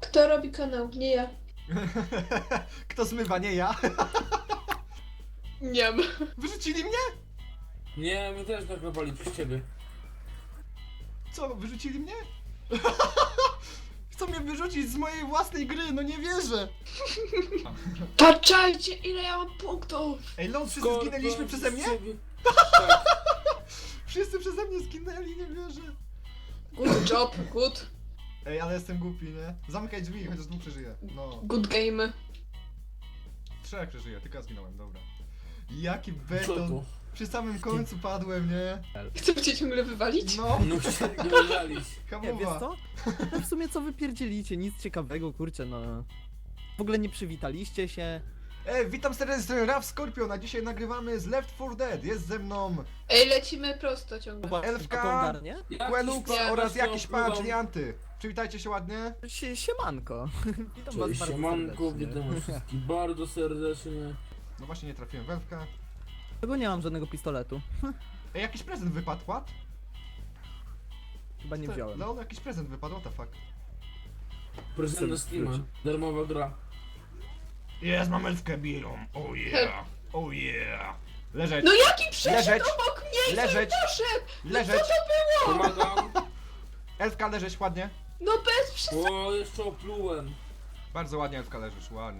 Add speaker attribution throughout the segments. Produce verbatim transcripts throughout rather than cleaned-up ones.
Speaker 1: Kto robi kanał? Nie ja.
Speaker 2: Kto zmywa, nie ja.
Speaker 1: Nie wiem.
Speaker 2: Wyrzucili mnie?
Speaker 3: Nie, my też naklepali przez ciebie.
Speaker 2: Co, wyrzucili mnie? Chcą mnie wyrzucić z mojej własnej gry, no nie wierzę.
Speaker 1: Patrzajcie, ile ja mam punktów!
Speaker 2: Ej, lol, wszyscy
Speaker 3: Skorpion
Speaker 2: zginęliśmy przeze mnie?
Speaker 3: przez ciebie. Tak.
Speaker 2: Wszyscy przeze mnie zginęli, nie wierzę.
Speaker 1: Good job, good.
Speaker 2: Ej, ale jestem głupi, nie? Zamykaj drzwi, chociaż dwóch przeżyje. No,
Speaker 1: Good game.
Speaker 2: trzech przeżyje, tylko ja zginąłem, dobra. Jaki
Speaker 3: Co
Speaker 2: beton.
Speaker 3: tu?
Speaker 2: Przy samym końcu padłem, nie?
Speaker 1: Chcę cię ciągle wywalić?
Speaker 2: No,
Speaker 3: No się nie wyżalić.
Speaker 4: Nie, wiesz
Speaker 2: hamowa.
Speaker 4: co? No w sumie co wypierdzielicie, nic ciekawego, kurczę, no. W ogóle nie przywitaliście się.
Speaker 2: Ej, witam serdecznie, Raf Scorpion, a dzisiaj nagrywamy z Left four Dead. Jest ze mną
Speaker 1: Ej, lecimy prosto ciągle.
Speaker 2: Elfka,
Speaker 4: A to ogarnie?
Speaker 3: Jakiś
Speaker 2: Quelux
Speaker 3: pan
Speaker 2: oraz
Speaker 3: właśnie
Speaker 2: jakiś pan,
Speaker 3: opływam.
Speaker 2: czyli Anty. Przywitajcie się ładnie.
Speaker 4: Sie, siemanko. Witam was
Speaker 3: Cześć,
Speaker 4: bardzo
Speaker 3: siemanko,
Speaker 4: serdecznie.
Speaker 3: witam wszystkich bardzo serdecznie.
Speaker 2: No właśnie nie trafiłem w Elfka.
Speaker 4: Tego nie mam żadnego pistoletu.
Speaker 2: Ej, jakiś prezent wypadł, what?
Speaker 4: Chyba nie wziąłem.
Speaker 2: No, jakiś prezent wypadł, what the fuck.
Speaker 3: Prezent na Steama, darmowa gra.
Speaker 2: Jest, mam Elfkę bielą, oh yeah, oh yeah. Leżeć,
Speaker 1: No jaki przeszedł
Speaker 2: Leżeć.
Speaker 1: obok mnie?
Speaker 2: Leżeć.
Speaker 1: Poszedł!
Speaker 2: leżeć.
Speaker 3: Pomagam.
Speaker 2: Elfka, leżeć ładnie.
Speaker 1: No bez przesady.
Speaker 3: O, jeszcze oplułem.
Speaker 2: Bardzo ładnie, Elfka, leżysz, ładnie.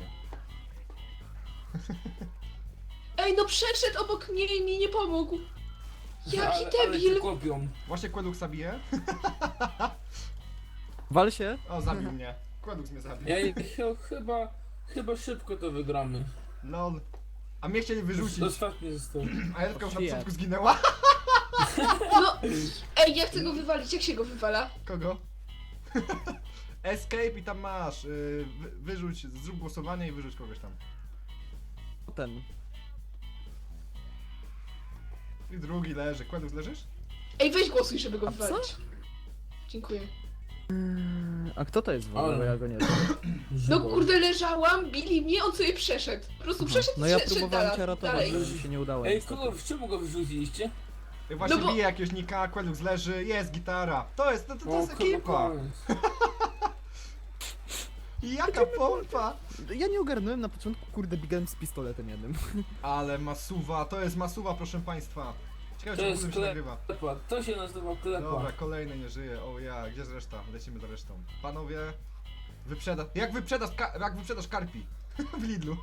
Speaker 1: Ej, no przeszedł obok mnie i mi nie pomógł. Jaki
Speaker 3: ale, ale cię
Speaker 1: debil.
Speaker 3: kopią.
Speaker 2: Właśnie Queluxa bije.
Speaker 4: Wal się.
Speaker 2: O, zabił mnie. Quelux mnie zabił.
Speaker 3: Ej, ch chyba, chyba szybko to wygramy.
Speaker 2: Lol. A mnie chcieli wyrzucić.
Speaker 3: Ostatni został.
Speaker 2: A Elfka już na
Speaker 4: Shit.
Speaker 2: początku zginęła.
Speaker 1: No, ej, ja chcę go wywalić. Jak się go wywala?
Speaker 2: Kogo? Escape i tam masz. Yy, wy, wyrzuć, zrób głosowanie i wyrzuć kogoś tam.
Speaker 4: Ten.
Speaker 2: I drugi leży. Quelux, leżysz?
Speaker 1: Ej, weź głosuj, żeby go
Speaker 4: A co?
Speaker 1: wywalić. Dziękuję.
Speaker 4: A kto to jest w ogóle?
Speaker 3: Ale.
Speaker 4: Ja go nie znam.
Speaker 1: No kurde, leżałam, bili mnie, on sobie przeszedł. Po prostu przeszedł
Speaker 4: No
Speaker 1: i
Speaker 4: ja
Speaker 1: szedł
Speaker 4: próbowałem
Speaker 1: dalej.
Speaker 4: cię ratować,
Speaker 1: dalej.
Speaker 4: ale mi się nie udało.
Speaker 3: Ej,
Speaker 4: niestety.
Speaker 3: kogo, czemu go wyrzuciliście?
Speaker 2: Ja właśnie
Speaker 1: No bo-
Speaker 2: bije jakiegoś nika, Quelux leży, jest gitara. To jest, to, to, to
Speaker 3: O,
Speaker 2: jest
Speaker 3: chyba
Speaker 2: ekipa.
Speaker 3: koniec.
Speaker 2: I jaka pompa.
Speaker 4: Ja nie ogarnąłem na początku, kurde, biegałem z pistoletem jednym.
Speaker 2: Ale masuwa, to jest masuwa, proszę państwa. Ciekawe,
Speaker 3: To
Speaker 2: czy w
Speaker 3: jest
Speaker 2: ogóle się
Speaker 3: klep.
Speaker 2: nagrywa.
Speaker 3: Klepa, to się nazywa klepa.
Speaker 2: Dobra, kolejny nie żyje. O ja, gdzie jest reszta? Lecimy za resztą. Panowie, wyprzeda... Jak wyprzedasz, ka... jak wyprzedasz karpi? W Lidlu.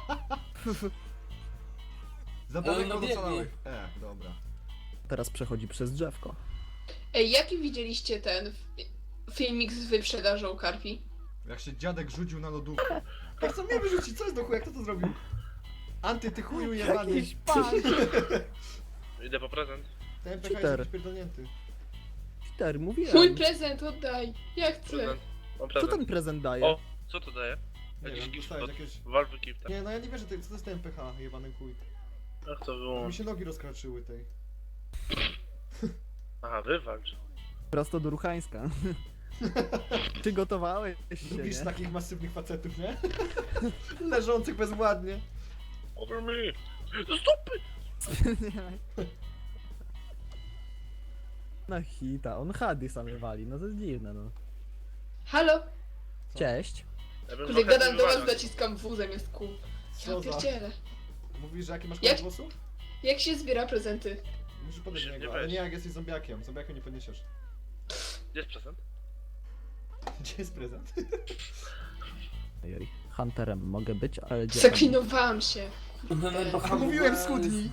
Speaker 2: Za
Speaker 3: Ale
Speaker 2: daleko
Speaker 3: no
Speaker 2: do
Speaker 3: biegnie.
Speaker 2: całych. E, dobra.
Speaker 4: Teraz przechodzi przez drzewko.
Speaker 1: Ej, jaki widzieliście ten fi- filmik z wyprzedażą karpi?
Speaker 2: Jak się dziadek rzucił na lodówkę. Jak chcą mnie wyrzucić, co jest do chuja? Kto to zrobił? Anty, ty chuju jebany.
Speaker 4: Jakiś pan!
Speaker 5: Idę po prezent.
Speaker 2: Ten P K jest
Speaker 4: Cheater.
Speaker 2: jakiś pierdolnięty.
Speaker 4: Peter, mówiłem.
Speaker 1: Mój prezent oddaj. Ja chcę.
Speaker 5: Prezent. Mam
Speaker 4: Co
Speaker 5: prezent.
Speaker 4: ten prezent daje?
Speaker 5: O, co to daje?
Speaker 2: Nie
Speaker 5: Jakiś
Speaker 2: wiem,
Speaker 5: gift
Speaker 2: dostałeś
Speaker 5: od
Speaker 2: jakieś...
Speaker 5: Valve Gift.
Speaker 2: Nie, no ja nie wierzę, ty, co to jest ten P H, jebany chuj.
Speaker 5: Ach, to
Speaker 2: Mi
Speaker 5: wyłącz.
Speaker 2: się nogi rozkraczyły tej.
Speaker 5: Aha, wywalcz.
Speaker 4: Prosto do Ruchańska. Przygotowałeś się,
Speaker 2: Lubisz
Speaker 4: nie?
Speaker 2: takich masywnych facetów, nie? Leżących bezładnie.
Speaker 5: Over me! Stopy!
Speaker 4: Na hita, on hady same wali, no to jest dziwne, no.
Speaker 1: Halo?
Speaker 4: Cześć.
Speaker 5: Ja bym
Speaker 1: Kurde,
Speaker 5: trochę
Speaker 1: gadam do was,
Speaker 5: wywalał.
Speaker 1: naciskam W zamiast kół. Ja
Speaker 2: Co za...
Speaker 1: pierdzielę.
Speaker 2: Mówisz, że jaki masz
Speaker 1: Jak-
Speaker 2: kolor głosu?
Speaker 1: Jak się zbiera prezenty?
Speaker 2: Musisz podejść do
Speaker 5: Nie
Speaker 2: niego, ale
Speaker 5: weź.
Speaker 2: nie jak jesteś zombiakiem. Zombiakiem nie podniesiesz.
Speaker 5: Gdzie jest prezent?
Speaker 2: Gdzie jest prezent?
Speaker 4: Ojej, hunterem mogę być, ale gdzie?
Speaker 1: Zaklinowałam się.
Speaker 2: A mówiłem schudnij!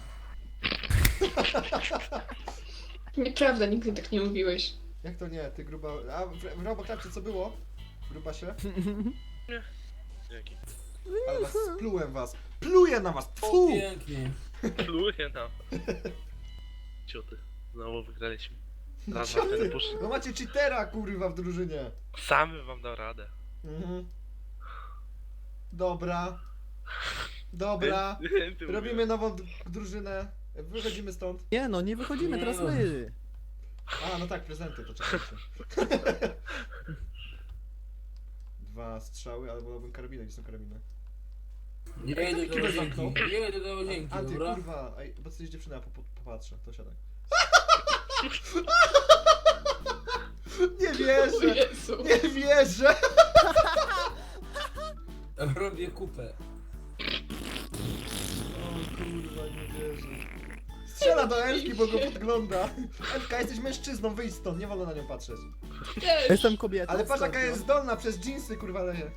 Speaker 1: Nieprawda, nigdy tak nie mówiłeś.
Speaker 2: Jak to nie, ty gruba... A w, w Robokrapcie co było? Gruba się?
Speaker 5: Dzięki.
Speaker 2: Ale was splułem was! Pluję na was!
Speaker 3: O,
Speaker 2: Tfu!
Speaker 3: pięknie.
Speaker 5: Pluję nam. Cioty. Znowu wygraliśmy. Raz
Speaker 2: Co
Speaker 5: was
Speaker 2: ty?
Speaker 5: ten pusz.
Speaker 2: No macie cheatera kurwa w drużynie!
Speaker 5: Samy wam dał radę.
Speaker 2: Mhm. Dobra. Dobra.
Speaker 5: Ty
Speaker 2: Robimy nową d- drużynę. Wychodzimy stąd.
Speaker 4: Nie no, nie wychodzimy, teraz my.
Speaker 2: A, no tak, prezenty, to czekajcie. Dwa strzały, ale wolałbym karabinę, gdzie są karabiny?
Speaker 3: Ja idę do
Speaker 2: Kto
Speaker 3: łazienki.
Speaker 2: zamknął?
Speaker 3: Ja idę do łazienki,
Speaker 2: A ty
Speaker 3: dobra?
Speaker 2: kurwa, ej, bo ty jesteś dziewczyna, ja po, po, popatrzę, to siadaj. Nie
Speaker 1: O
Speaker 2: wierzę!
Speaker 1: Jezu.
Speaker 2: Nie wierzę! bo go podgląda. Elka, jesteś mężczyzną, wyjdź stąd, nie wolno na nią patrzeć.
Speaker 1: Też.
Speaker 4: Jestem kobietą.
Speaker 2: Ale patrz jaka
Speaker 4: Skorpion.
Speaker 2: jest zdolna, przez dżinsy kurwa leje.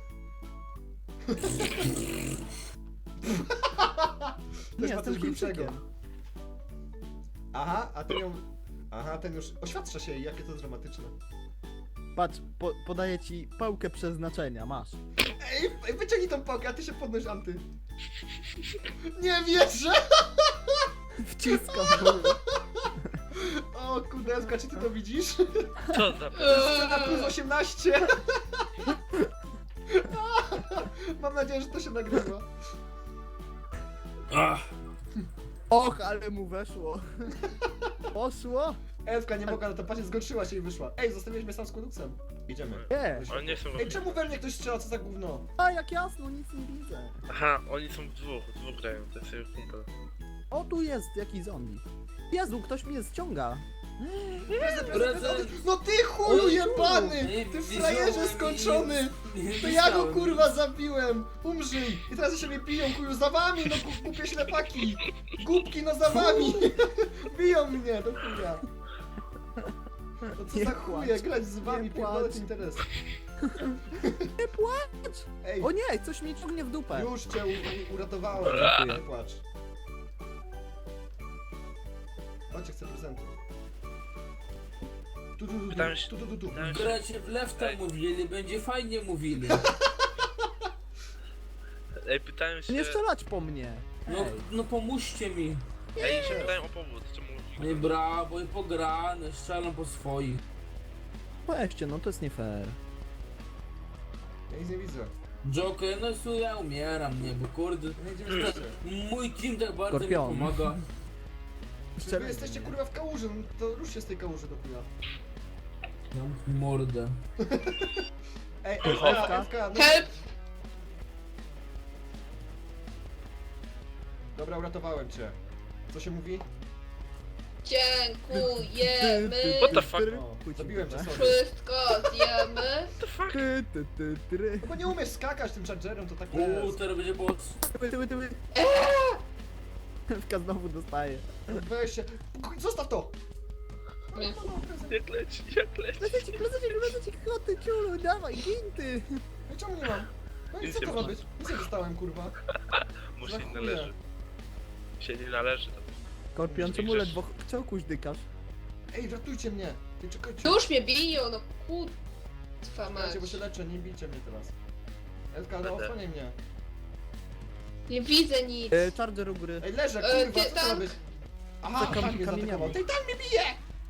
Speaker 4: Nie,
Speaker 2: Też ma coś
Speaker 4: jestem
Speaker 2: większego.
Speaker 4: Chińczykiem.
Speaker 2: Aha, a ten ją... Aha, ten już... Oświadcza się jej, jakie to dramatyczne.
Speaker 4: Patrz, po, podaję ci pałkę przeznaczenia, masz.
Speaker 2: Ej, ej, wyciągnij tą pałkę, a ty się podnoś, Anty. Nie wierzę!
Speaker 4: Wciskam w górę.
Speaker 2: O kurde, Elka, czy ty to widzisz?
Speaker 5: Co za...
Speaker 2: Scena plus osiemnaście! Mam nadzieję, że to się nagrywa.
Speaker 3: Ach,
Speaker 4: Och, ale mu weszło. Poszło?
Speaker 2: Elfka nie mogła na to patrzeć, zgorszyła się i wyszła. Ej, zostawiłeś mnie sam z koduksem. Idziemy.
Speaker 4: Nie.
Speaker 5: Oni nie są...
Speaker 2: Ej, czemu we mnie ktoś strzela, co za gówno?
Speaker 4: A jak jasno, nic nie widzę.
Speaker 5: Aha, oni są w dwóch, w dwóch grają, to jest jego kumpel.
Speaker 4: O, tu jest jakiś zombie. Jezu, ktoś mnie ściąga.
Speaker 3: prezent!
Speaker 2: No ty chuju jebany!
Speaker 3: Nie,
Speaker 2: Ty
Speaker 3: widziałem
Speaker 2: frajerze
Speaker 3: i-
Speaker 2: skończony!
Speaker 3: Nie
Speaker 2: To ja go
Speaker 3: widziałem.
Speaker 2: kurwa zabiłem! Umrzyj! I teraz się mnie biją, chuju, za wami, no gu- głupie ślepaki! Głupki, no za wami! Biją mnie, do chuja! No co
Speaker 4: Nie
Speaker 2: za
Speaker 4: płacz.
Speaker 2: chuje, grać z wami,
Speaker 4: Nie
Speaker 2: pierdolę
Speaker 4: płacz.
Speaker 2: ten interes.
Speaker 4: Nie płacz!
Speaker 2: Ej,
Speaker 4: O nie, coś mnie ciągnie w dupę.
Speaker 2: już cię u- u- uratowałem,
Speaker 4: Dziękuję.
Speaker 2: nie płacz. Chodźcie, chcę prezentu. Tu, tu, tu, tu,
Speaker 5: Pytałem się-
Speaker 2: tu, tu, tu, tu.
Speaker 5: pytałem się-
Speaker 3: Gracie w lefta
Speaker 5: Ej.
Speaker 3: mówili, będzie fajnie mówili.
Speaker 5: Ej, pytałem się...
Speaker 4: Nie strzelać po mnie.
Speaker 3: No,
Speaker 4: Ej.
Speaker 3: no pomóżcie mi.
Speaker 5: Ej, się pytałem o powód, czemu...
Speaker 3: Nie brawo, i pograne, strzelam po swoich.
Speaker 4: Weźcie, no to jest nie fair.
Speaker 2: Ja nic nie widzę.
Speaker 3: Joker, no su, ja umieram, nie, bo kurde,
Speaker 2: Nie idziemy wszyscy.
Speaker 3: mój team tak bardzo
Speaker 4: Skorpion.
Speaker 3: mi pomaga.
Speaker 2: Czy wy jesteście kurwa w kałuży, no to ruszcie z tej kałuży do chuja.
Speaker 3: Mam mordę.
Speaker 2: Ej,
Speaker 4: Elfka?
Speaker 2: Elfka, Elfka, no.
Speaker 1: Help!
Speaker 2: Dobra, uratowałem cię. Co się mówi?
Speaker 1: Dziękujemy!
Speaker 5: What the fuck?
Speaker 2: O, zabiłem cię, sorry.
Speaker 1: Wszystko zjemy.
Speaker 4: Ty, ty, ty, ty.
Speaker 2: No bo nie umiesz skakać tym chargerem, to tak
Speaker 3: Uuu,
Speaker 2: jest.
Speaker 3: teraz będzie boss.
Speaker 4: Tyły, tyły, tyły. Elfka znowu dostaje.
Speaker 2: Weź się. Zostaw to!
Speaker 5: Jak leci, jak leci.
Speaker 4: Lececik, lececik, lececik, koty, ciulu, dawaj, gin ty.
Speaker 2: No i czemu nie mam? No i
Speaker 5: Nic
Speaker 2: co
Speaker 5: nie
Speaker 2: to ma
Speaker 5: masz.
Speaker 2: być? Nic nie dostałem, kurwa.
Speaker 5: Mu
Speaker 2: Za
Speaker 5: się nie
Speaker 2: chuje.
Speaker 5: należy. Się nie należy tam.
Speaker 4: Skorpion, czemu
Speaker 5: Grzesz.
Speaker 4: ledwo czołkuś dykasz?
Speaker 2: Ej, ratujcie mnie! Ty czekajcie.
Speaker 1: Już mnie biją, no kurwa mać.
Speaker 2: Czekajcie, bo się leczę, nie bijcie mnie teraz. Elka, ale
Speaker 5: Będę.
Speaker 2: osłaniaj mnie.
Speaker 1: Nie widzę nic.
Speaker 4: E, charger u góry.
Speaker 2: Ej, leżę,
Speaker 1: E,
Speaker 2: kurwa,
Speaker 1: ty
Speaker 2: co to ma
Speaker 1: tam-
Speaker 2: być? Aha,
Speaker 4: Za
Speaker 2: tak
Speaker 4: kam-
Speaker 2: mnie
Speaker 4: kamieniami.
Speaker 2: zaatakował. Tej tam mnie bije!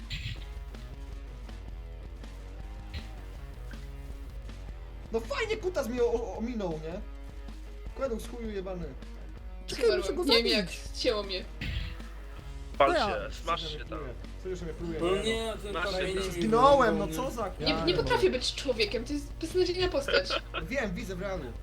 Speaker 2: No fajnie kutas mnie o- o- ominął, nie? Kładł z chuju jebany.
Speaker 4: Czekaj, muszę go
Speaker 1: Nie wiem jak
Speaker 4: zabić.
Speaker 1: ścięło mnie.
Speaker 5: Pal
Speaker 4: ja.
Speaker 5: się, smasz się tam.
Speaker 2: Sojusz mnie pluje.
Speaker 3: No nie, ten
Speaker 5: Masz
Speaker 3: kamień
Speaker 5: się-
Speaker 3: mi
Speaker 2: Zginąłem, no
Speaker 3: wyrwał,
Speaker 2: co za
Speaker 1: Nie,
Speaker 2: kurwa.
Speaker 1: nie potrafię być człowiekiem, to jest beznadziejna postać.
Speaker 2: Wiem, widzę w realu.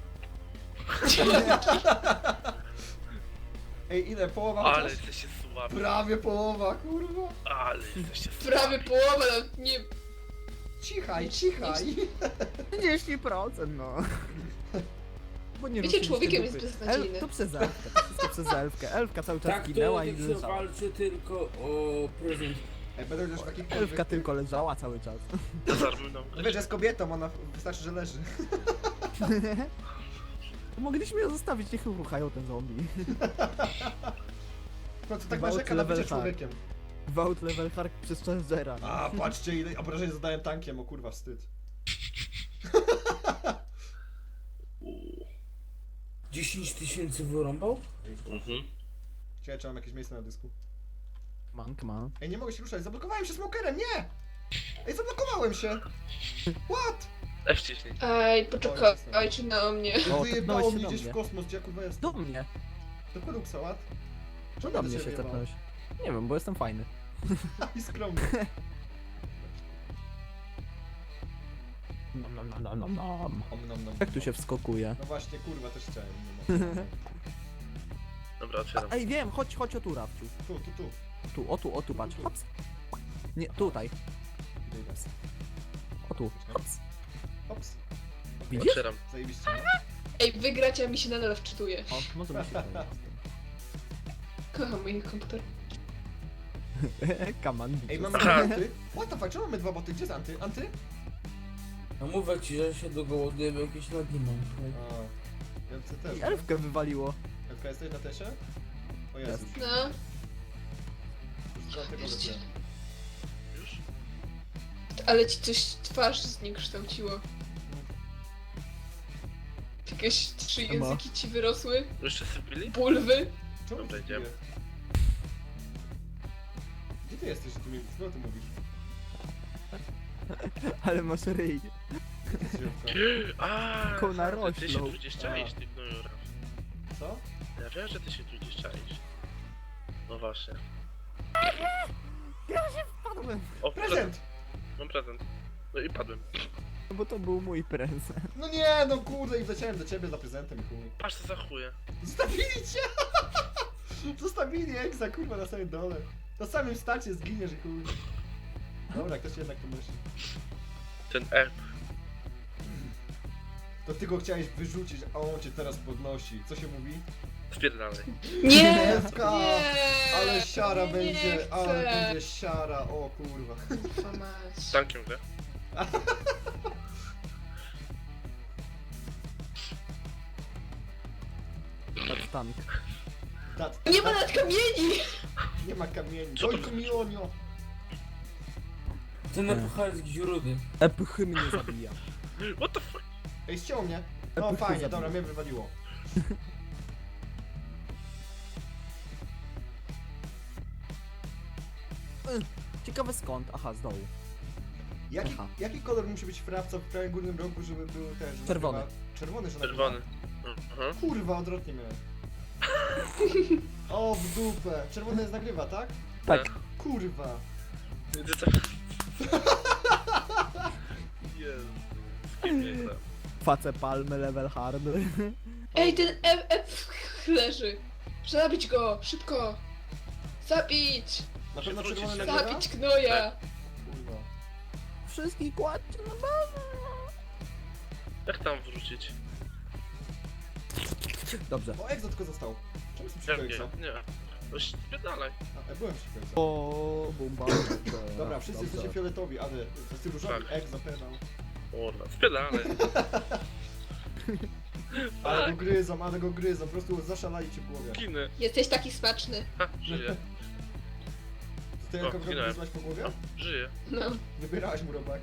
Speaker 2: Ej, ile? Połowa
Speaker 5: Ale
Speaker 2: chociaż?
Speaker 5: jesteście słabi.
Speaker 2: Prawie połowa, kurwa.
Speaker 5: Ale jesteście słabi.
Speaker 1: Prawie połowa, nawet nie...
Speaker 2: Cichaj, cichaj.
Speaker 4: trzydzieści procent, no. Bo nie
Speaker 1: Bycie
Speaker 4: ruszyliście
Speaker 1: człowiekiem
Speaker 4: dupy.
Speaker 1: jest beznadziejne.
Speaker 4: El, to przez elfkę, to wszystko przez elfkę. Elfka cały czas
Speaker 3: Tak, to
Speaker 4: ginęła
Speaker 3: jak
Speaker 4: i
Speaker 3: się
Speaker 4: leżała.
Speaker 3: walczy tylko o prezent.
Speaker 2: Ej, będę już takich
Speaker 4: Elfka tylko leżała cały czas.
Speaker 5: Dezarmuj nam.
Speaker 2: No wiesz, że jest kobietą, ona wystarczy, że leży.
Speaker 4: Mogliśmy ją zostawić, niech ruchają ten zombie.
Speaker 2: No to tak
Speaker 4: Gwałt
Speaker 2: narzeka na
Speaker 4: level
Speaker 2: bycie
Speaker 4: hard.
Speaker 2: człowiekiem.
Speaker 4: Vault level hark przez Changera.
Speaker 2: A, patrzcie ile obrażeń zadałem tankiem, o kurwa, wstyd.
Speaker 5: Uuu.
Speaker 3: dziesięć tysięcy wyrąbał?
Speaker 5: Mhm.
Speaker 2: Ciekawe, czy mam jakieś miejsce na dysku.
Speaker 4: Mank ma.
Speaker 2: Ej, nie mogę się ruszać, zablokowałem się smokerem, nie! Ej, zablokowałem się! What?
Speaker 5: F wciśnij.
Speaker 1: Ej, poczekajcie na mnie.
Speaker 4: O,
Speaker 2: Wyjebało
Speaker 4: tepnąłeś
Speaker 2: mnie
Speaker 4: się do
Speaker 2: gdzieś w
Speaker 4: mnie.
Speaker 2: kosmos, gdzie ja kurwa jestem.
Speaker 4: Do mnie.
Speaker 2: Do koduksa, what?
Speaker 4: Co do mnie się tepnąłeś? Nie wiem, bo jestem fajny.
Speaker 2: I skromny.
Speaker 4: Nom, nom, nom, nom, nom, nom.
Speaker 2: Om, nom, nom.
Speaker 4: Jak tu się wskokuje?
Speaker 2: No właśnie, kurwa, też chciałem. Nie ma.
Speaker 5: Dobra, otwieram.
Speaker 4: Ej, wiem, chodź, chodź o tu, Rafciu.
Speaker 2: Tu, tu, tu.
Speaker 4: Tu, o tu, o tu, patrz. Hops. Nie, tutaj.
Speaker 2: Idę, idę.
Speaker 4: O tu. Hops.
Speaker 2: Hops.
Speaker 4: Widzisz?
Speaker 5: Otwieram.
Speaker 2: Zajebiście, no.
Speaker 1: Ej, wygrać, a mi się nadal wczytuje.
Speaker 4: O, może mi się to
Speaker 1: Kocham mój komputer.
Speaker 4: Kaman.
Speaker 2: Ej, mamy
Speaker 5: Aha.
Speaker 2: dwa boty? What the fuck, czemu mamy dwa boty? Gdzie jest Anty? Anty?
Speaker 3: No mówię ci, że się dogołoduję, bo jakieś lagi mam.
Speaker 2: A, ja chcę też.
Speaker 4: I elfkę wywaliło.
Speaker 2: Elfka, jesteś na tesie? O Jezus.
Speaker 1: No.
Speaker 2: Już tego
Speaker 1: Jeszcze.
Speaker 2: wypię.
Speaker 5: Już?
Speaker 1: Ale ci coś twarz zniekształciło. Jakieś trzy
Speaker 4: Ema.
Speaker 1: języki ci wyrosły?
Speaker 5: Jeszcze sypili?
Speaker 1: Bulwy?
Speaker 2: Czemu
Speaker 5: Dobra,
Speaker 2: ci
Speaker 5: idziemy.
Speaker 2: piję? Gdzie ty jesteś, że ty mi co ty mówisz?
Speaker 4: Ale masz ryj.
Speaker 2: Dziewka.
Speaker 5: Aaa,
Speaker 4: Tylko
Speaker 5: ty się
Speaker 4: naroślą.
Speaker 5: tu gdzieś czaisz, ty gnoju Raf.
Speaker 2: Co?
Speaker 5: Ja wiem, że ty się tu gdzieś czaisz. No właśnie.
Speaker 4: Padłem.
Speaker 5: O, prezent!
Speaker 2: Prezent!
Speaker 5: Mam prezent. No i padłem.
Speaker 4: No bo to był mój prezent.
Speaker 2: No nie, no kurde, i wleciałem do ciebie za prezentem, chuj.
Speaker 5: Patrz co za chuje.
Speaker 2: Zostawili cię! Zostawili Egza, kurwa, na samym dole. Na samym starcie zginiesz i chuj. Dobra, ktoś jednak to myśli.
Speaker 5: Ten erb.
Speaker 2: To ty go chciałeś wyrzucić, a on cię teraz podnosi. Co się mówi?
Speaker 5: Spierdalaj.
Speaker 1: Nie!
Speaker 2: Ewka!
Speaker 1: Nie!
Speaker 2: Ale siara
Speaker 1: nie
Speaker 2: będzie,
Speaker 1: chcę.
Speaker 2: ale będzie siara, o kurwa.
Speaker 1: Kurwa mać.
Speaker 5: Tankiem grę.
Speaker 4: Patrz tank.
Speaker 2: Dat,
Speaker 1: Nie ma nad kamieni!
Speaker 2: nie ma kamieni.
Speaker 5: Co to
Speaker 2: Dojku mi onio!
Speaker 3: Ten epocharyzm rudy.
Speaker 4: Epchy mnie zabija.
Speaker 5: What the fuck?
Speaker 2: Ej, ściął mnie. No
Speaker 4: Epchy
Speaker 2: fajnie,
Speaker 4: zabija.
Speaker 2: dobra, mnie wywaliło.
Speaker 4: Ciekawe skąd? Aha, z dołu.
Speaker 2: Jaki,
Speaker 4: Aha.
Speaker 2: jaki kolor musi być frawca w prawym górnym rogu, żeby był ten, że
Speaker 4: Czerwony.
Speaker 2: nagrywa- Czerwony, że nagrywa?
Speaker 5: Czerwony. Aha.
Speaker 2: Kurwa, odwrotnie miałem. O, w dupę. Czerwony jest nagrywa, tak?
Speaker 4: Tak.
Speaker 2: Kurwa.
Speaker 5: Gdzie to? Jezu. Skipię to.
Speaker 4: Face palmy, level hard.
Speaker 1: Ej, ten F, F leży. Zabić go! Szybko! Zabić!
Speaker 2: Na pewno
Speaker 5: Się
Speaker 2: czerwony
Speaker 5: wrócić.
Speaker 2: nagrywa?
Speaker 1: Zabić gnoja!
Speaker 2: Kurwa.
Speaker 4: Wszystkich kładźcie na bazę.
Speaker 5: Jak tam wrócić?
Speaker 4: Dobrze.
Speaker 2: O, Exo tylko został. Czemu jestem przeciwko
Speaker 5: Pewnie.
Speaker 2: Exo?
Speaker 5: Nie. No spierdalaj.
Speaker 2: A, e, byłem przeciwko Exo.
Speaker 4: O, bumba.
Speaker 2: Dobra, wszyscy jesteście fioletowi, ale to jest różowy.
Speaker 5: Tak.
Speaker 2: Exo, pedał.
Speaker 5: Kurwa, spierdalaj.
Speaker 2: Ale go gryzą, ale go gryzą, po prostu zaszalali ci w głowie.
Speaker 5: Ginę.
Speaker 1: Jesteś taki smaczny.
Speaker 5: Ha, żyję.
Speaker 2: To ty
Speaker 5: O,
Speaker 2: jako
Speaker 5: zginąłem.
Speaker 2: gryzłaś po głowie?
Speaker 5: O, żyję.
Speaker 1: No.
Speaker 2: Wybierałaś mu robaki.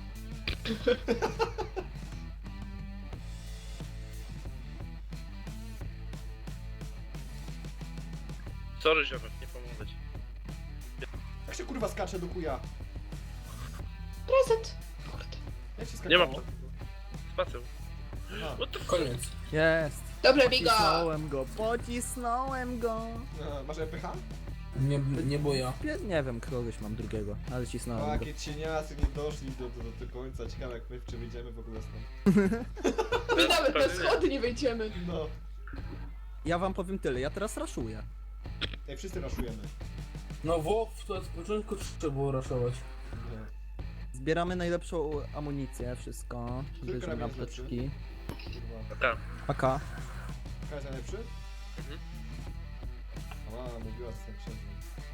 Speaker 5: Sorry ziomek, nie pomogę ci.
Speaker 2: Jak się kurwa skacze do kuja?
Speaker 1: Prezent! Kurde.
Speaker 2: Jak się
Speaker 5: Nie ma
Speaker 2: skakało?
Speaker 5: Spacją.
Speaker 2: Aha.
Speaker 5: What the fuck?
Speaker 3: Koniec.
Speaker 4: Jest.
Speaker 1: Dobra, bigo!
Speaker 4: Pocisnąłem go, pocisnąłem go.
Speaker 2: A, masz E P H?
Speaker 3: Nie, nie boja.
Speaker 4: Pie- Nie wiem, kogoś mam drugiego, ale
Speaker 2: O,
Speaker 4: cisnąłem go.
Speaker 2: jakie cieniasy nie doszli do, do, do, do końca. Ciekawe jak my czy wyjdziemy w ogóle stąd.
Speaker 1: My nawet na
Speaker 5: Pewnie nie.
Speaker 1: schody nie wejdziemy.
Speaker 2: No.
Speaker 4: Ja wam powiem tyle, ja teraz raszuję.
Speaker 2: Ej, wszyscy raszujemy.
Speaker 3: No Włoch to od początku trzeba było raszować.
Speaker 2: Nie.
Speaker 4: Zbieramy najlepszą amunicję, wszystko.
Speaker 2: Który
Speaker 4: Bierzemy
Speaker 2: karabin jest
Speaker 4: apteczki.
Speaker 2: Kurwa.
Speaker 5: A tam.
Speaker 4: A K.
Speaker 2: Kto jest najlepszy?
Speaker 5: Mhm.
Speaker 2: A, mówiła z tym księdzem.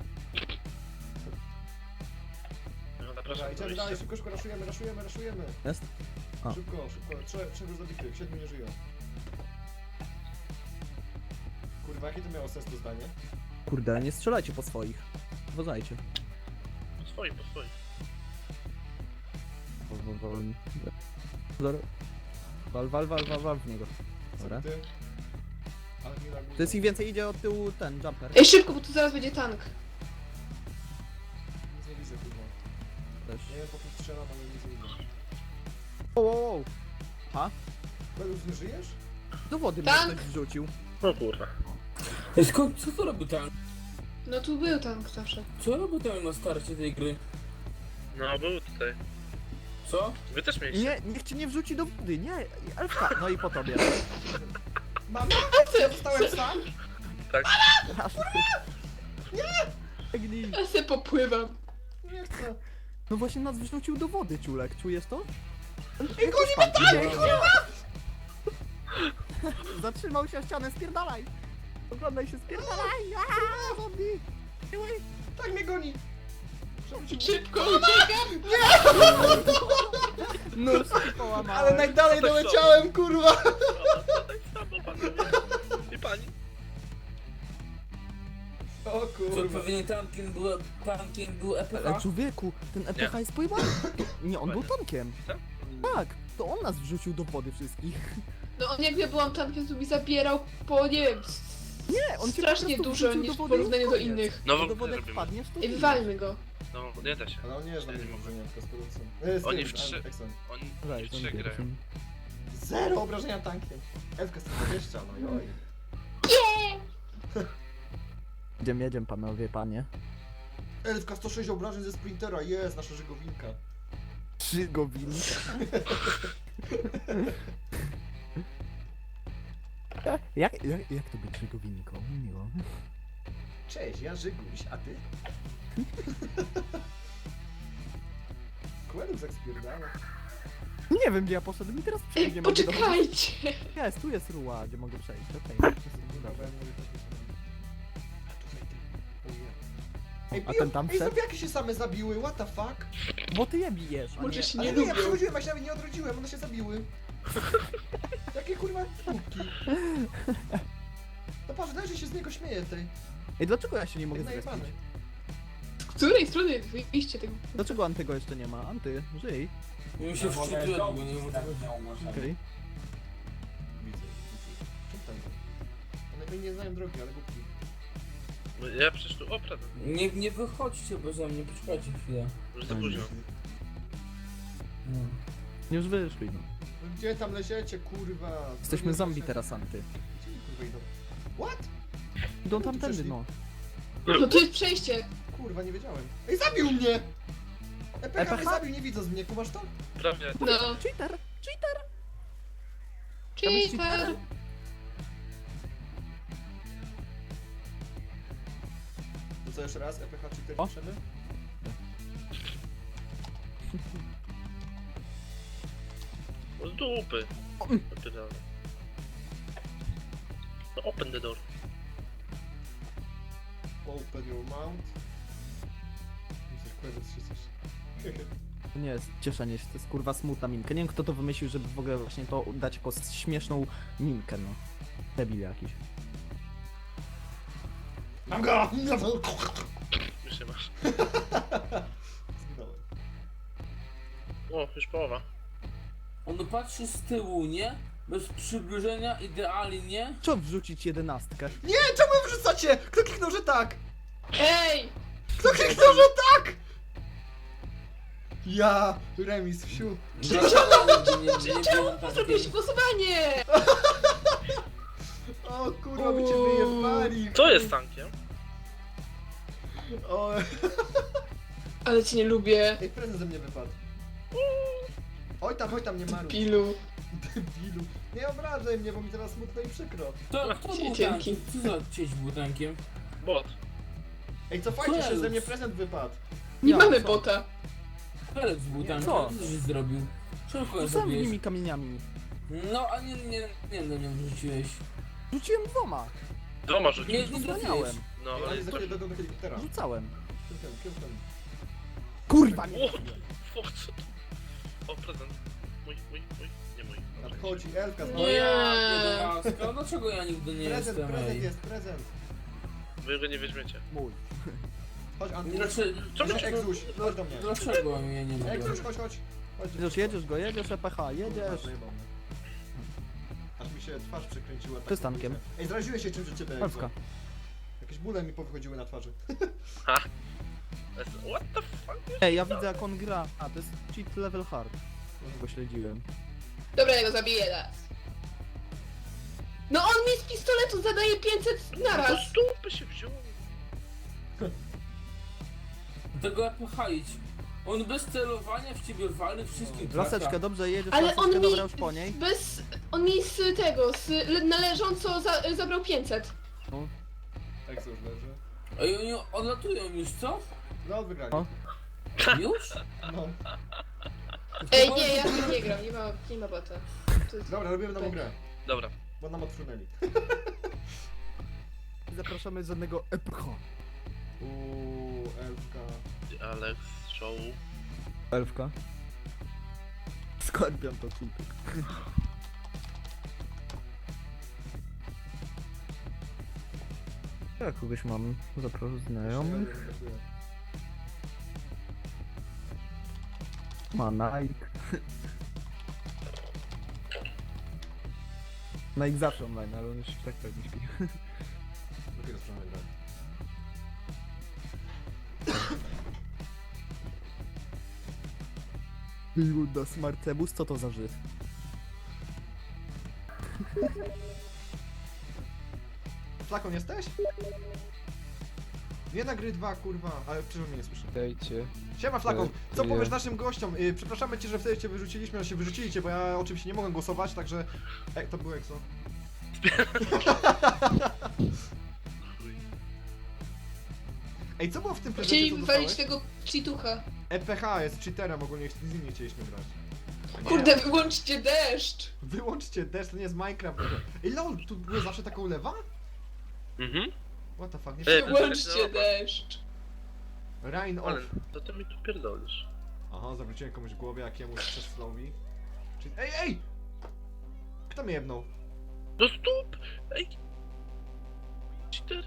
Speaker 5: No,
Speaker 2: Dobra,
Speaker 5: zapraszam do
Speaker 2: idziemy
Speaker 5: wyjścia.
Speaker 2: dalej, szybko, szybko raszujemy, raszujemy, raszujemy.
Speaker 4: Jest? A.
Speaker 2: Szybko, szybko, trzech, trzech już zabitych, siedmiu nie żyją. Kurwa, jakie to miało sens to zdanie?
Speaker 4: Kurde, nie strzelajcie po swoich. Uważajcie.
Speaker 5: Po swoim, po swoim.
Speaker 4: Zor- Wal, wal, wal, wal, wal w niego. Dobra.
Speaker 2: Zabity. Ale nie laguje.
Speaker 4: To jest ich więcej, idzie od tyłu ten jumper.
Speaker 1: Ej, szybko, bo tu zaraz będzie tank.
Speaker 2: Nic nie widzę, kurwa.
Speaker 4: Też.
Speaker 2: Nie wiem po kim strzelam, ale nic nie widzę.
Speaker 4: Wow, wow, wow. Ha?
Speaker 2: Belus, nie żyjesz?
Speaker 4: Do wody mnie
Speaker 1: Tank!
Speaker 4: ktoś wrzucił.
Speaker 5: No kurwa.
Speaker 3: Ej, skąd, co to robi tam?
Speaker 1: No tu był tank zawsze.
Speaker 3: Co robi tam na starcie tej gry?
Speaker 5: No był tutaj.
Speaker 3: Co?
Speaker 5: Wy też mieliście.
Speaker 4: Nie, niech cię nie wrzuci do wody, nie. Elfka, no i po tobie.
Speaker 2: Mama? Ja zostałem sam?
Speaker 5: Tak.
Speaker 4: Biegnij.
Speaker 1: Ja se popływam.
Speaker 2: Nie chcę.
Speaker 4: No właśnie nas wrzucił do wody, ciulek, czujesz to?
Speaker 2: Ej, goni mnie dalej, kurwa!
Speaker 4: Zatrzymał się o ścianę, spierdalaj! Oglądaj się, spierdalaj! Aaa, zombie! Siły!
Speaker 2: Tak mnie goni! Przewrócił mnie.
Speaker 1: Szybko uciekam!
Speaker 4: Nóżki połamałem.
Speaker 2: Ale najdalej
Speaker 5: To tak
Speaker 2: doleciałem, kurwa!
Speaker 5: O, to tak samo pan nie. I pani.
Speaker 2: O
Speaker 3: Co
Speaker 2: kurwa.
Speaker 3: pewnie tankiem był, tankiem był E P
Speaker 4: Ale
Speaker 3: H?
Speaker 4: człowieku, ten E P H jest pojebany. Nie, on był tankiem.
Speaker 5: Tak?
Speaker 4: Tak, to on nas wrzucił do wody wszystkich.
Speaker 1: No on jak ja byłam tankiem, to mi zabierał po, nie wiem, s-
Speaker 4: Nie, on cię
Speaker 1: strasznie
Speaker 4: po prostu
Speaker 1: dużo
Speaker 4: wrzucił
Speaker 1: niż
Speaker 4: do
Speaker 1: w
Speaker 4: wody i
Speaker 1: porównaniu do
Speaker 4: koniec.
Speaker 1: innych.
Speaker 5: No
Speaker 4: Do
Speaker 5: w
Speaker 4: wody jak
Speaker 5: robimy.
Speaker 4: wpadniesz, to
Speaker 1: I
Speaker 4: ginie.
Speaker 1: wywalmy go.
Speaker 5: No, nie da się.
Speaker 2: Ale on nie jest na
Speaker 5: Ja
Speaker 2: mnie
Speaker 5: nie mogę.
Speaker 2: obrażenia, tylko z produkcją. E, z
Speaker 5: Oni
Speaker 2: tym,
Speaker 5: w trzy-
Speaker 2: a, Exxon.
Speaker 5: Oni
Speaker 4: Weź,
Speaker 5: w
Speaker 4: ten
Speaker 5: trzech
Speaker 4: pierwszy.
Speaker 5: grają.
Speaker 2: Zero obrażenia tankiem. Elfka sto dwadzieścia, no joj.
Speaker 4: Jedziemy, jedziemy panowie, panie.
Speaker 2: Elfka sto sześć obrażeń ze sprintera, jest nasza żegowinka.
Speaker 4: Trzy gowiny. Jak, jak, jak to być żegowinką? Miło.
Speaker 2: Cześć, ja Żyguś, a ty? Kłębek tak spierdala.
Speaker 4: Nie wiem gdzie ja poszedłem i teraz
Speaker 1: Ej,
Speaker 4: przejść nie mogę do...
Speaker 1: poczekajcie!
Speaker 4: Jest, tu jest ruła, gdzie mogę przejść, okej.
Speaker 2: Dobra,
Speaker 4: Dobra.
Speaker 2: ja mówię tak, a tutaj ty. O nie. Ej,
Speaker 4: A
Speaker 2: biją-
Speaker 4: ten tam
Speaker 2: Ej,
Speaker 4: wszedł?
Speaker 2: zombiaki się same zabiły, what the fuck?
Speaker 4: Bo ty je bijesz, a
Speaker 1: Może
Speaker 4: nie...
Speaker 1: się
Speaker 2: Ale
Speaker 1: nie
Speaker 2: nie, ja
Speaker 1: lubią.
Speaker 2: przechodziłem, ja się nawet nie odrodziłem, one się zabiły. Jakie kurwa kubki. No patrz, daj, że się z niego śmieje tej.
Speaker 4: Ej, dlaczego ja się nie mogę
Speaker 2: Jest
Speaker 4: zrespić?
Speaker 2: najebany.
Speaker 1: Z której strony wyjście tego?
Speaker 4: Dlaczego Antego jeszcze nie ma? Anty, żyj.
Speaker 3: Mi się wczytuje, bo nie wiem o co chodzi.
Speaker 4: Okej.
Speaker 2: Widzę, widzę. Czemu tam? One pewnie nie znają drogi, ale głupki.
Speaker 5: No, ja przecież tu oprawę.
Speaker 3: Nie, nie wychodźcie beze mnie, poczekajcie chwilę.
Speaker 5: Już za późno.
Speaker 3: No.
Speaker 4: Już wyszli, no.
Speaker 2: No gdzie tam leciecie, kurwa?
Speaker 4: Jesteśmy
Speaker 2: Drogi
Speaker 4: zombie
Speaker 2: leciecie.
Speaker 4: teraz, Anty.
Speaker 2: Gdzie oni, kurwa idą? What?
Speaker 4: Idą
Speaker 2: tu
Speaker 4: tamtędy,
Speaker 2: przeszli?
Speaker 4: no.
Speaker 1: No to jest przejście!
Speaker 2: Kurwa, nie wiedziałem. Ej, zabił mnie! E P H mnie
Speaker 4: E P H?
Speaker 2: zabił, nie widząc mnie, kumasz to?
Speaker 5: Prawie.
Speaker 1: No.
Speaker 4: Cheater! Cheater! Tam jest
Speaker 1: Cheater!
Speaker 4: cheater.
Speaker 2: To co jeszcze raz? E P H cztery
Speaker 4: O.
Speaker 2: piszemy?
Speaker 5: O, z dupy.
Speaker 4: O.
Speaker 5: Napierdalam. No open the door.
Speaker 2: Open your mouth. Myślę, kłębec się coś.
Speaker 4: To nie jest cieszenie się, to jest kurwa smutna minka. Nie wiem kto to wymyślił, żeby w ogóle właśnie to dać jako śmieszną minkę, no. Debil jakiś.
Speaker 2: Mam go!
Speaker 5: Już nie masz.
Speaker 2: Zginąłem.
Speaker 5: O, już połowa.
Speaker 3: On patrzy z tyłu, nie? Bez przybliżenia, idealnie.
Speaker 4: Co wrzucić jedenastkę?
Speaker 2: Nie, czemu wy wrzucacie? Kto kliknął, że tak?
Speaker 1: Ej!
Speaker 2: Kto kliknął, że tak? Ja, remis, wsiu.
Speaker 3: Dlaczego nigdy nie, nie byłem
Speaker 1: Zrobiłeś
Speaker 3: tankiem?
Speaker 1: głosowanie!
Speaker 2: O kurwa, by cię wyjebali.
Speaker 5: Co jest tankiem?
Speaker 2: O,
Speaker 1: Ale cię nie lubię.
Speaker 2: ej, prezent ze mnie wypadł. Oj tam, oj tam, nie maruj.
Speaker 1: Pilu.
Speaker 2: Debilu. Nie obrażaj mnie, bo mi teraz smutno i przykro.
Speaker 3: To, to był
Speaker 1: Dzięki.
Speaker 3: tankiem. Co za cieć był tankiem?
Speaker 5: Bot.
Speaker 2: Ej, cofajcie się,
Speaker 3: Cześć.
Speaker 2: ze mnie prezent wypadł.
Speaker 1: Nie
Speaker 4: Ja,
Speaker 1: mamy
Speaker 4: co?
Speaker 1: bota.
Speaker 3: Felix był tankiem,
Speaker 4: Co?
Speaker 3: co żeś zrobił? Czemu go
Speaker 4: Sam
Speaker 3: zrobiłeś?
Speaker 4: nimi kamieniami.
Speaker 3: No, a nie, nie, nie, no nie wrzuciłeś.
Speaker 4: Rzuciłem dwoma.
Speaker 5: Dwoma
Speaker 3: Nie,
Speaker 5: rzucił.
Speaker 3: nie trafiłeś.
Speaker 4: Zraniałem.
Speaker 5: No,
Speaker 2: Ej,
Speaker 5: ale
Speaker 2: oni za chwilę dojdą do helikoptera.
Speaker 4: Rzucałem.
Speaker 2: Kiełtem, kiełtem.
Speaker 4: Kurwa nie.
Speaker 5: O, o, co to? O, prezent. Mój, mój, mój. Nie mój.
Speaker 2: Nadchodzi elfka z
Speaker 3: No
Speaker 1: Nie.
Speaker 3: ja, jedenastka, dlaczego ja nigdy nie
Speaker 2: Prezent,
Speaker 3: jestem,
Speaker 2: prezent
Speaker 3: ej?
Speaker 2: jest, prezent.
Speaker 5: Wy go nie weźmiecie.
Speaker 2: Mój. Chodź, Anty.
Speaker 3: Dlaczego,
Speaker 5: Czemu
Speaker 2: Nie,
Speaker 5: się...
Speaker 2: Egzuś, chodź do mnie.
Speaker 3: dlaczego ja nie mogę?
Speaker 2: Egzuś, chodź, chodź. Chodź.
Speaker 4: Jedziesz, jedziesz go, jedziesz E P H, jedziesz.
Speaker 2: Zajebał mnie. Aż mi się twarz przekręciła. tak
Speaker 4: Ty z tankiem.
Speaker 2: publicznie. Ej, zraziłeś się czymś od ciebie,
Speaker 4: Elfka.
Speaker 2: Egzo. Jakieś bóle mi powychodziły na twarzy.
Speaker 5: What the fuck?
Speaker 4: Ej, ja widzę jak on gra. A, to jest cheat level hard. Już go śledziłem.
Speaker 1: Dobra, ja go zabiję raz. No on mi z pistoletu zadaje pięćset
Speaker 5: To
Speaker 1: naraz.
Speaker 5: z dupy się wziął.
Speaker 3: Tego E P H idź. On bez celowania w ciebie wali wszystkim trafia.
Speaker 4: Laseczkę, dobrze jedziesz,
Speaker 1: Ale
Speaker 4: laseczkę,
Speaker 1: on mi
Speaker 4: dobra już po niej.
Speaker 1: bez... On mi z tego, z le- należąco za, zabrał pięćset.
Speaker 2: Egzo już leży.
Speaker 3: Ej, oni odlatują już, co?
Speaker 2: No, wygrali.
Speaker 4: O.
Speaker 3: Już?
Speaker 2: No.
Speaker 1: Ej, nie, ja tym nie gram, nie ma, nie ma bota. To jest...
Speaker 2: Dobra, robimy nową grę.
Speaker 5: Dobra.
Speaker 2: Bo nam odfrunęli.
Speaker 4: Zapraszamy żadnego E P H.
Speaker 2: Uuu, Elfka.
Speaker 5: The Alex Show.
Speaker 4: Elfka. Skorpion to kultyk. Ja kogoś mam zapraszam znajomych. Ma Nike. Nike zawsze online, ale on już tak pewnie śpi.
Speaker 2: Dopiero stronę gra.
Speaker 4: Luda Smartebus, co to za Żyd?
Speaker 2: Flakon jesteś? Nie na gry dwa, kurwa, ale przecież mnie nie słyszę.
Speaker 6: Dajcie.
Speaker 2: Siema Flakon, co
Speaker 6: Nie.
Speaker 2: powiesz naszym gościom? Yy, przepraszamy cię, że wtedy cię wyrzuciliśmy, ale się wyrzucili cię, bo ja oczywiście nie mogłem głosować, także... Ej, to był Exo. Ej, co było w tym prezencie,
Speaker 1: Chcieli
Speaker 2: co
Speaker 1: wywalić
Speaker 2: dostałeś?
Speaker 1: tego cheatucha.
Speaker 2: E P H jest cheaterem, ogólnie z nim nie chcieliśmy grać. Nie.
Speaker 1: Kurde, wyłączcie deszcz!
Speaker 2: Wyłączcie deszcz, to nie jest Minecraft. Ej lol, tu było zawsze taka ulewa?
Speaker 5: Mhm.
Speaker 2: What the fuck, nie
Speaker 5: Ej,
Speaker 2: wiem.
Speaker 1: Wyłączcie deszcz!
Speaker 2: Rain off.
Speaker 5: Ale to ty mi tu pierdolisz.
Speaker 2: Aha, zawróciłem komuś w głowie, jakiemuś przez flowi. Czyli... Ej, ej! Kto mnie jebnął?
Speaker 5: No stóp! Ej! Cheater!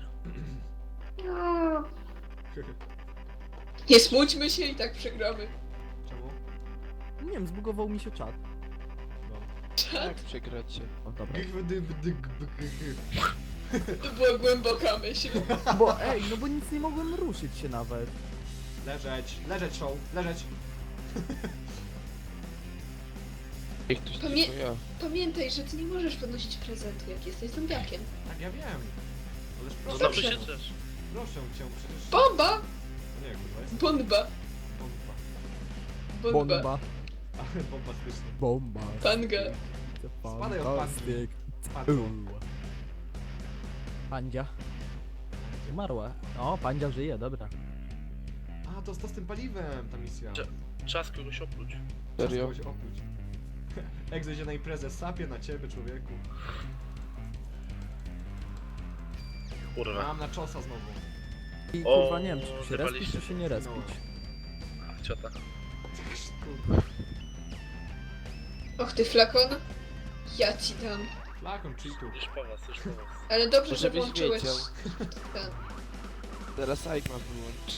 Speaker 1: Nie smućmy się i tak przegramy.
Speaker 2: Czemu?
Speaker 4: Nie wiem, zbugował mi się czat.
Speaker 2: No.
Speaker 6: Jak przegracie?
Speaker 4: O dobra.
Speaker 1: To była głęboka myśl.
Speaker 4: Bo ej, no bo nic nie mogłem ruszyć się nawet.
Speaker 2: Leżeć, leżeć show, leżeć.
Speaker 6: Jak ktoś
Speaker 1: Pamię-
Speaker 6: tylko ja.
Speaker 1: Pamiętaj, że ty nie możesz podnosić prezentu, jak jesteś zombiakiem.
Speaker 2: Tak, ja wiem. Ależ
Speaker 5: No
Speaker 2: proszę,
Speaker 5: dobrze
Speaker 1: dobrze.
Speaker 5: się drzesz.
Speaker 2: proszę cię przecież...
Speaker 1: Bomba!
Speaker 2: No nie, kurwa, jest
Speaker 1: Bomba!
Speaker 2: bomba.
Speaker 1: Bomba!
Speaker 4: Bomba.
Speaker 2: Ale bombastyczny.
Speaker 4: Bomba.
Speaker 1: Panga.
Speaker 2: Spadaj od
Speaker 4: Fantastyk.
Speaker 2: Spadło.
Speaker 4: Pandzia. Umarła. O, Pandzia żyje, dobra.
Speaker 2: A, to, to z tym paliwem, ta misja.
Speaker 5: Cze- Czas kogoś opluć.
Speaker 6: Serio?
Speaker 2: Czas kogoś opluć. Egzo idzie na imprezę, sapie na ciebie, człowieku.
Speaker 5: Kurwa.
Speaker 2: Mam na czosa znowu.
Speaker 4: I
Speaker 5: O,
Speaker 4: kurwa nie wiem, czy tu się
Speaker 5: zjebaliście.
Speaker 4: respić, czy się nie respić.
Speaker 5: Ciota.
Speaker 2: Kurwa.
Speaker 1: Och ty flakon. Ja ci dam.
Speaker 2: Flakon cheatów.
Speaker 5: Już po was, już po was.
Speaker 1: Ale dobrze, że
Speaker 6: Żebyś
Speaker 1: włączyłeś
Speaker 6: wiedział.
Speaker 1: ten.
Speaker 6: Teraz Aigma wyłączy.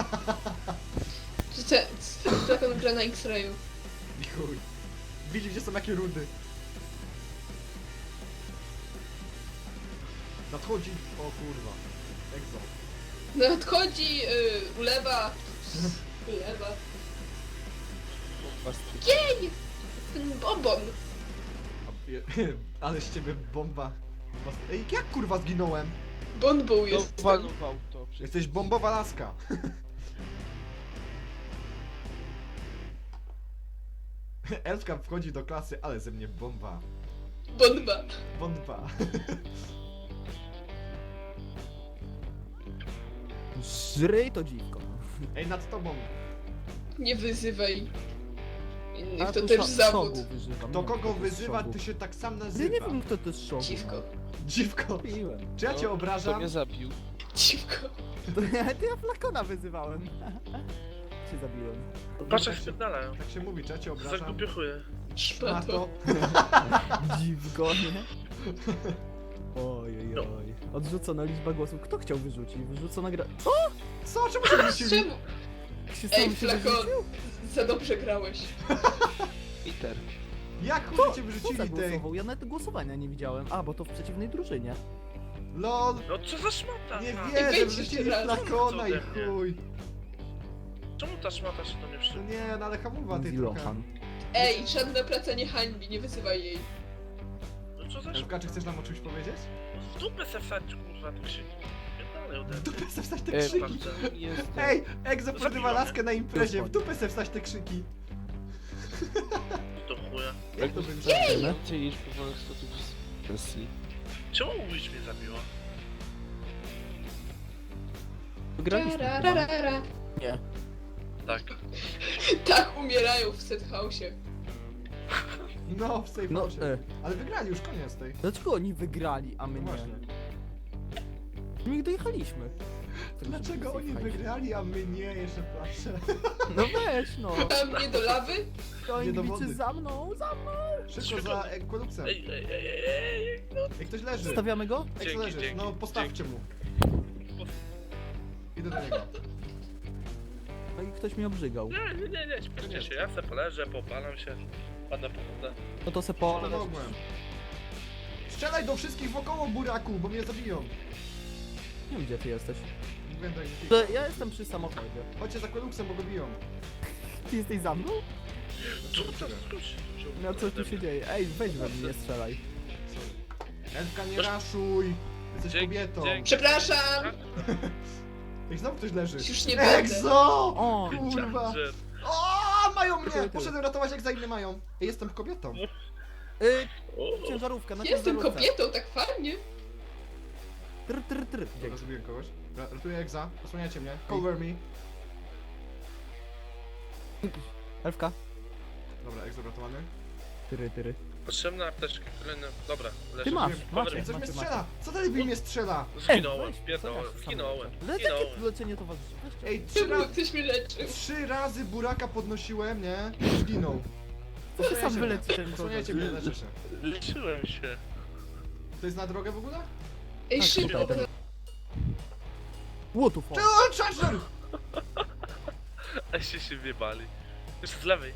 Speaker 1: Że ten ten flakon gra na X-rayu.
Speaker 2: I chuj. Widzi, gdzie są jakie rudy. Nadchodzi... O kurwa. Egzo.
Speaker 1: Nadchodzi, yy, ulewa. Ulewa.
Speaker 6: Bombastycznie.
Speaker 1: Jej! Ten bombon.
Speaker 2: A, je- Ale z ciebie bomba. Bomba- Ej, jak kurwa zginąłem?
Speaker 1: Bonbą
Speaker 6: No,
Speaker 1: jest.
Speaker 6: walnął w auto.
Speaker 2: Jesteś bombowa laska. Elfka wchodzi do klasy, ale ze mnie bomba.
Speaker 1: Bomba.
Speaker 2: Bomba.
Speaker 4: Żryj to dziwko.
Speaker 2: Ej, nad tobą.
Speaker 1: Nie wyzywaj innych,
Speaker 4: A
Speaker 1: to
Speaker 4: tu
Speaker 1: też
Speaker 4: szo-
Speaker 1: zawód.
Speaker 4: Szogu wyzywam.
Speaker 2: Do
Speaker 4: Nie wiem,
Speaker 2: kogo
Speaker 4: kto to jest
Speaker 2: wyzywa,
Speaker 4: Szogu.
Speaker 2: ty się tak sam
Speaker 4: Ja
Speaker 2: nazywa.
Speaker 4: nie wiem, kto to jest Szogu.
Speaker 1: Dziwko.
Speaker 2: Dziwko.
Speaker 4: Piłem.
Speaker 2: Czy ja cię
Speaker 6: To
Speaker 2: obrażam?
Speaker 6: mnie zabił.
Speaker 1: Dziwko.
Speaker 4: To ja, to ja Flakona wyzywałem. Się zabiłem.
Speaker 5: Patrz jak spierdalają.
Speaker 2: Tak się mówi, czy ja cię obrażam?
Speaker 5: Zakupiochuję.
Speaker 2: A
Speaker 1: Szmato.
Speaker 2: to...
Speaker 4: Dziwko, nie? Oj, oj, oj. Odrzucona liczba głosów. Kto chciał wyrzucić? Wyrzucona gra... Co?
Speaker 2: Co? Czemu się wrócili?
Speaker 1: Czemu?
Speaker 4: Się
Speaker 1: Ej,
Speaker 4: sam się
Speaker 1: flakon.
Speaker 4: wyrzucił?
Speaker 1: Za dobrze grałeś.
Speaker 6: Peter.
Speaker 2: Jak chuj cię
Speaker 4: Kto
Speaker 2: wyrzucili tej?
Speaker 4: zagłosował? Ja nawet głosowania nie widziałem. A, bo to w przeciwnej drużynie.
Speaker 2: LOL!
Speaker 5: No co za szmata?
Speaker 2: Nie
Speaker 5: ta?
Speaker 2: wierzę,
Speaker 1: wejdź
Speaker 2: wyrzucili
Speaker 1: jeszcze raz.
Speaker 2: flakona i
Speaker 5: Co ode mnie?
Speaker 2: chuj.
Speaker 5: Czemu ta szmata się do mnie
Speaker 2: No
Speaker 5: przy...
Speaker 2: nie, no ale hamuwa tej trochę.
Speaker 4: Zilohan.
Speaker 1: Ej, żadna praca nie hańbi, nie wyzywaj jej.
Speaker 5: No co za
Speaker 2: Elfka,
Speaker 5: szmata?
Speaker 2: czy chcesz nam o czymś powiedzieć?
Speaker 5: W dupę se wsadź, kurwa, tak się... Pierdolę ode
Speaker 2: W
Speaker 5: mnie.
Speaker 2: dupę se wstać te
Speaker 6: E,
Speaker 2: krzyki!
Speaker 5: Patrzę.
Speaker 6: Jestem.
Speaker 2: Ej, Egzo
Speaker 5: No
Speaker 2: przerywa
Speaker 5: zabiło
Speaker 2: laskę na imprezie, w
Speaker 4: Już
Speaker 2: dupę se wstać te krzyki!
Speaker 5: Do chuja.
Speaker 2: Jak to będzie?
Speaker 6: Więcej niż powolnych stotów z Rosji.
Speaker 5: Czemu mówisz mnie zabiła?
Speaker 4: Wygraliśmy chyba.
Speaker 1: Tararara.
Speaker 4: Nie.
Speaker 5: Tak.
Speaker 1: Tak umierają w set house'ie.
Speaker 2: No, w safe
Speaker 4: No,
Speaker 2: house.
Speaker 4: e,
Speaker 2: Ale wygrali już, koniec tej.
Speaker 4: dlaczego oni wygrali, a my
Speaker 2: No
Speaker 4: nie?
Speaker 2: właśnie.
Speaker 4: My ich dojechaliśmy.
Speaker 2: Dlaczego oni wygrali, a my nie? Jeszcze patrzę.
Speaker 4: No weź no.
Speaker 1: A mnie do lawy?
Speaker 4: To
Speaker 2: Nie do
Speaker 4: Anglicy
Speaker 2: wody.
Speaker 4: za mną, za mną.
Speaker 2: Szybko za Equeluxem.
Speaker 5: Ej, ej, ej, ej, ej, no.
Speaker 2: Ej, ktoś leży.
Speaker 4: Stawiamy go?
Speaker 2: Ej,
Speaker 5: Dzięki,
Speaker 2: kto leży?
Speaker 5: dzięki,
Speaker 2: No postawcie mu. Idę do niego.
Speaker 4: No i ktoś mnie obrzygał.
Speaker 5: Nie, nie, nie, nie, śpieszcie się, ja se poleżę, popalam się, pada pochodzę.
Speaker 4: No to se po...
Speaker 2: Pomogłem. Strzelaj do wszystkich wokoło, buraku, bo mnie zabiją.
Speaker 4: Nie wiem gdzie ty jesteś.
Speaker 2: Nie wiem, tak,
Speaker 4: To ja jestem przy samochodzie.
Speaker 2: chodźcie za Equeluxem, bo go biją.
Speaker 4: Ty jesteś za mną?
Speaker 5: Co to skróć?
Speaker 4: No co tu się dzieje? Ej, weź we mnie, nie strzelaj.
Speaker 2: Elfka, nie raszuj. Jesteś
Speaker 5: Dzięki,
Speaker 2: kobietą.
Speaker 5: dzięki.
Speaker 1: Przepraszam!
Speaker 2: Ej, znowu ktoś leży.
Speaker 1: Już nie będę.
Speaker 2: Egzo!
Speaker 4: O!
Speaker 2: Kurwa.
Speaker 5: Charger.
Speaker 2: O, mają mnie!
Speaker 4: Tyle, tyle.
Speaker 2: Poszedłem ratować, jak za inne mają. Ej, jestem kobietą.
Speaker 4: Y,
Speaker 5: O,
Speaker 4: ciężarówka, na
Speaker 1: Jestem
Speaker 4: ciężarówce.
Speaker 1: kobietą, tak fajnie.
Speaker 4: Tr, tr, tr.
Speaker 2: Dobra, zrobiłem kogoś. Ra- Ratuję Egza. Osłaniajcie mnie. Cover me.
Speaker 4: Elfka.
Speaker 2: Dobra, Egzo ratowany.
Speaker 4: Tyry, tyry.
Speaker 5: potrzebna apteczka, kolejna, dobra, leży.
Speaker 4: Ty masz,
Speaker 5: Cover
Speaker 4: macie,
Speaker 2: Ej, coś mnie
Speaker 4: macie, macie.
Speaker 2: strzela! Co ten debil mnie strzela?
Speaker 5: Zginąłem,
Speaker 4: weź,
Speaker 5: pierdolę,
Speaker 4: co ja
Speaker 5: zginąłem,
Speaker 4: Ale
Speaker 5: zginąłem.
Speaker 4: takie leczenie towarzyszy. Weźcie.
Speaker 2: Ej, trzy,
Speaker 1: Czemu
Speaker 2: ra
Speaker 1: ktoś mnie leczył?
Speaker 2: trzy razy buraka podnosiłem, nie? I zginął.
Speaker 4: To się sam
Speaker 2: Osłaniajcie mnie.
Speaker 4: wyleci ten
Speaker 2: Osłaniajcie mnie, leczę się.
Speaker 5: Leczyłem się.
Speaker 2: To jest na drogę w ogóle?
Speaker 1: Ej,
Speaker 4: Tak,
Speaker 1: szybko.
Speaker 4: tutaj, ten- What the fuck?
Speaker 2: Czemu Charger?
Speaker 5: A się się wjebali. Jeszcze z lewej.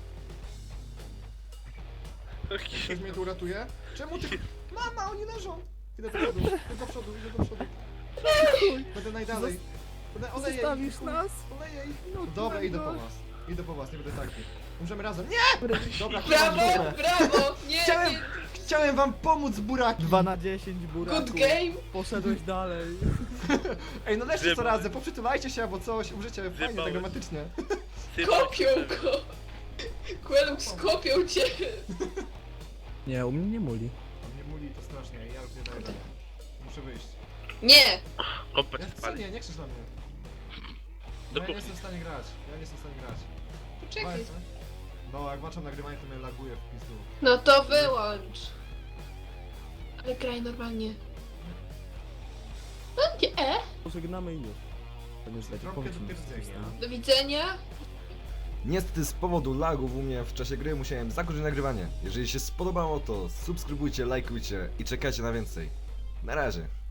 Speaker 2: Ktoś mnie tu uratuje? Czemu ty... Mama, oni leżą! Idę do przodu, idę do przodu, idę do przodu. Będę najdalej. Będę oleję ich.
Speaker 4: Zostawisz nas?
Speaker 2: Oleję ich.
Speaker 4: No,
Speaker 2: Dobra, idę po
Speaker 4: kurwa.
Speaker 2: was. Idę po was, nie będę taki. Umrzemy razem. Nie! Dobra,
Speaker 1: Brawo,
Speaker 2: dobra.
Speaker 1: brawo! Nie,
Speaker 2: Chciałem,
Speaker 1: nie.
Speaker 2: chciałem wam pomóc, buraki.
Speaker 4: dwa na dziesięć buraku.
Speaker 1: Good game.
Speaker 4: Poszedłeś dalej.
Speaker 2: Ej, no leszcie co
Speaker 5: Zjebał.
Speaker 2: razem, poprzytulajcie się albo coś, umrzecie fajnie, tak
Speaker 5: Zjebałeś.
Speaker 2: dramatycznie.
Speaker 1: Kopią go. Quelux, kopią cię.
Speaker 4: Nie, u mnie nie muli.
Speaker 2: Nie muli, to strasznie, ja już nie daję rady. Muszę wyjść.
Speaker 1: Nie.
Speaker 5: Kompet
Speaker 2: Ja, co
Speaker 5: spali.
Speaker 2: nie, nie krzycz na mnie.
Speaker 5: Do
Speaker 2: Ja nie
Speaker 5: kuchni.
Speaker 2: jestem w stanie grać, ja nie jestem w stanie grać.
Speaker 1: Poczekaj.
Speaker 2: Walczę. No, jak włączam nagrywanie, to mnie laguje w pizdu.
Speaker 1: No to wyłącz. Ale graj normalnie. No nie.
Speaker 4: Pożegnamy i już. To nie zdać.
Speaker 2: Trąbkę do pierdzenia.
Speaker 1: Do widzenia.
Speaker 7: Niestety z powodu lagów u mnie w czasie gry musiałem zakończyć nagrywanie. Jeżeli się spodobało, to subskrybujcie, lajkujcie i czekajcie na więcej. Na razie.